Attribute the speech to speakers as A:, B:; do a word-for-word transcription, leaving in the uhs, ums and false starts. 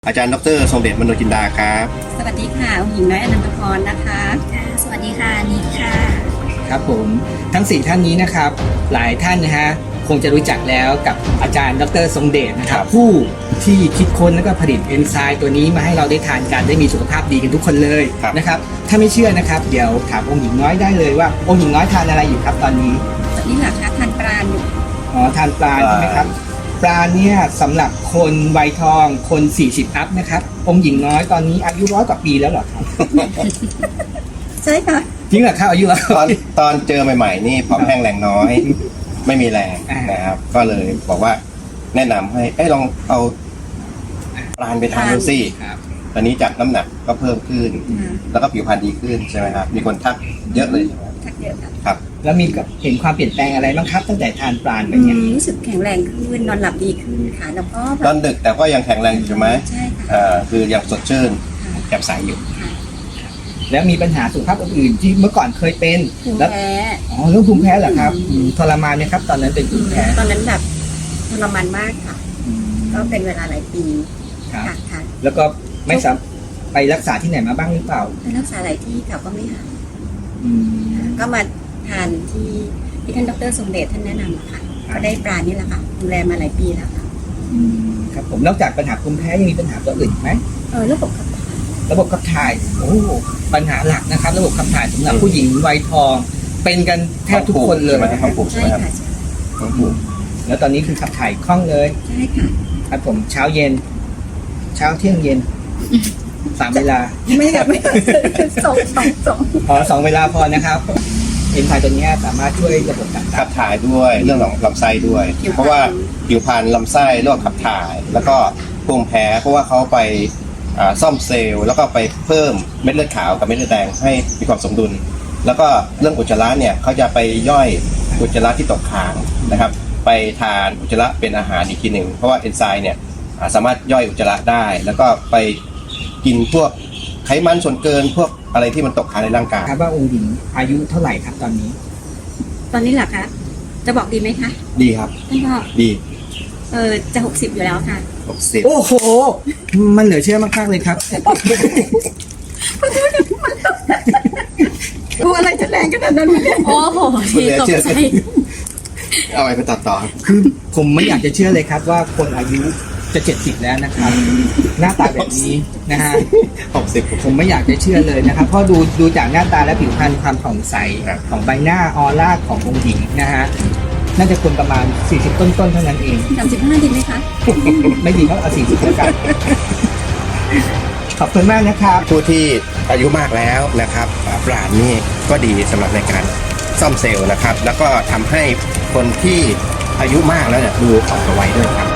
A: อาจารย์ดร.ทรงเดช มโนจินดาครับ
B: สวัสดีค่ะหญิงน้อยอนันตพรนะคะค่ะสวัสดีค่ะนิดค่ะ
C: ครับผมทั้งสี่ท่านนี้นะครับหลายท่านนะฮะคงจะรู้จักแล้วกับอาจารย์ดร.ทรงเดชนะครับผู้ที่คิดค้นและก็ผลิตเอนไซม์ตัวนี้มาให้เราได้ทานกันได้มีสุขภาพดีกันทุกคนเลยนะครับถ้าไม่เชื่อนะครับเดี๋ยวถามองค์หญิงน้อยได้เลยว่าองค์หญิงน้อยทานอะไรอยู่ครับตอนนี้
B: ตอนนี้หลักคะทานปลาอยู่
C: อ๋อทานปลาใช่ไหมครับปลาเนี่ยสำหรับคนวัยทองคนสี่สิบอัพนะครับองค์หญิงน้อยตอนนี้อายุร้อยกว่าปีแล้วเหรอครับ
B: ใช่ค่ะ
C: จริงเหรอครับอายุ
A: ตอนตอนเจอใหม่ๆนี่ผอมแห้งแรงน้อยไม่มีแรงนะครับก็เลยบอกว่าแนะนำให้เอ้ลองเอาปลาไปทานดูสิตอนนี้จากน้ำหนักก็เพิ่มขึ้นแล้วก็ผิวพรรณดีขึ้นใช่ไหมครับมีคนทักเยอะเลย
B: ทักเยอะ
A: ครับ
C: แล้วมีเห็นความเปลี่ยนแปลงอะไรบ้างครับตั้งแต่ทานปลาไปเนี่ย
B: รู้สึกแข็งแรงขึ้นนอนหลับดีขึ้นค่ะแล้วก็
A: นอนดึกแต่ก็ยังแข็งแรงอยู่ใช่ไหม
B: ใช่ค่ะ
A: อ่าคือยังสดชื่นแจ่มใสอยู่
C: แล้วมีปัญหาสุขภาพอื่นที่เมื่อก่อนเคยเป็น
B: ภูมิแพ้
C: อ๋อเรื่องภูมิแพ้เหรอครับทรมานไหมครับตอนนั้นเป็นภูมิแพ้
B: ตอนนั้นแบบทรมานมากค่ะก็เป็นเวลาหลายปี
C: ค่ะแล้วก็ไม่สามารถไปรักษาที่ไหนมาบ้างหรือเปล่า
B: ไปรักษาหลายที่ค่ะก็ไม่หายก็มาทานที่ที่ท่านดร.ทรงเดชท่านแนะนำค่ะก็ได้ปลานี่แหละค่ะดูแลมาหลายปีแล้วค่ะ
C: ครับผมนอกจากปัญหาภูมิแพ้ยังมีปัญหาตัวอื่นไหม
B: เออระบบขับถ่าย
C: ระบบขับถ่ายโอ้ปัญหาหลักนะครับระบบขับถ่ายสำหรับผู้หญิงวัยทองเป็นกันแทบทุกคนเลย
A: ท้องผูกใช่ไหมครับ
C: ท้องผูกแล้วตอนนี้คือขับถ่ายคล่องเลย
B: ใช่ค่ะ
C: ครับผมเช้าเย็นเช้าเที่ยงเย็นสามเวลา
B: ไม่อยากไม่สองสองสอง
C: อ๋อสองเวลาพอนะครับเอนไซม์ตัวนี้สามารถช่วยระบบ
A: ขับถ่ายด้วยเรื่องของลำไส้ด้วยเพราะว่าผิวพรรณลำไส้โรคขับถ่ายแล้วก็ภูมิแพ้เพราะว่าเขาไปซ่อมเซลล์แล้วก็ไปเพิ่มเม็ดเลือดขาวกับเม็ดเลือดแดงให้มีความสมดุลแล้วก็เรื่องอุจจาระเนี่ยเขาจะไปย่อยอุจจาระที่ตกค้างนะครับไปทานอุจจาระเป็นอาหารอีกทีหนึ่งเพราะว่าเอนไซม์เนี่ยสามารถย่อยอุจจาระได้แล้วก็ไปกินพวกไขมันส่วนเกินพวกอะไรที่มันตกค้างในร่างกาย
C: ครับว่าองค์หญิงอายุเท่าไหร่ครับตอนนี้
B: ตอนนี้เหรอคะจะบอกดีไหมคะ
A: ดีครับ
B: ท่านพ่อ
A: ดี
B: เออจะหกสิบอยู่แล้วค่ะ
A: หกสิบ
C: โอ้โหมันเหลือเชื่อมากๆเลยครับ
B: ดูอะไรจะแรงขนาดนั้นเนี่ยโอ้โหทีตกใจ
A: เอาไปไปตัดต่อ
C: คือผมไม่อยากจะเชื่อเลยครับว่าคนอายุจะเจ็ดสิบแล้วนะครับหน้าตาแบบนี้นะฮะ
A: หกสิบ
C: ผมไม่อยากจะเชื่อเลยนะครับเพราะดูดูจากหน้าตาและผิวพรรณความผ่องใสของใบหน้าออร่าขององค์หญิงนะฮะน่าจะคนประมาณสี่สิบต้นๆเท่านั้นเอง
B: สามสิบห้าดีไหมคะ
C: ไม่ดีก็เอาสี่สิบแล้วกันขอบคุณมากนะครับ
A: ผู้ที่อายุมากแล้วนะครับปราณนี่ก็ดีสำหรับในการซ่อมเซลล์นะครับแล้วก็ทำให้คนที่อายุมากแล้วเนี่ยดูอ่อนกว่าวัยด้วยครับ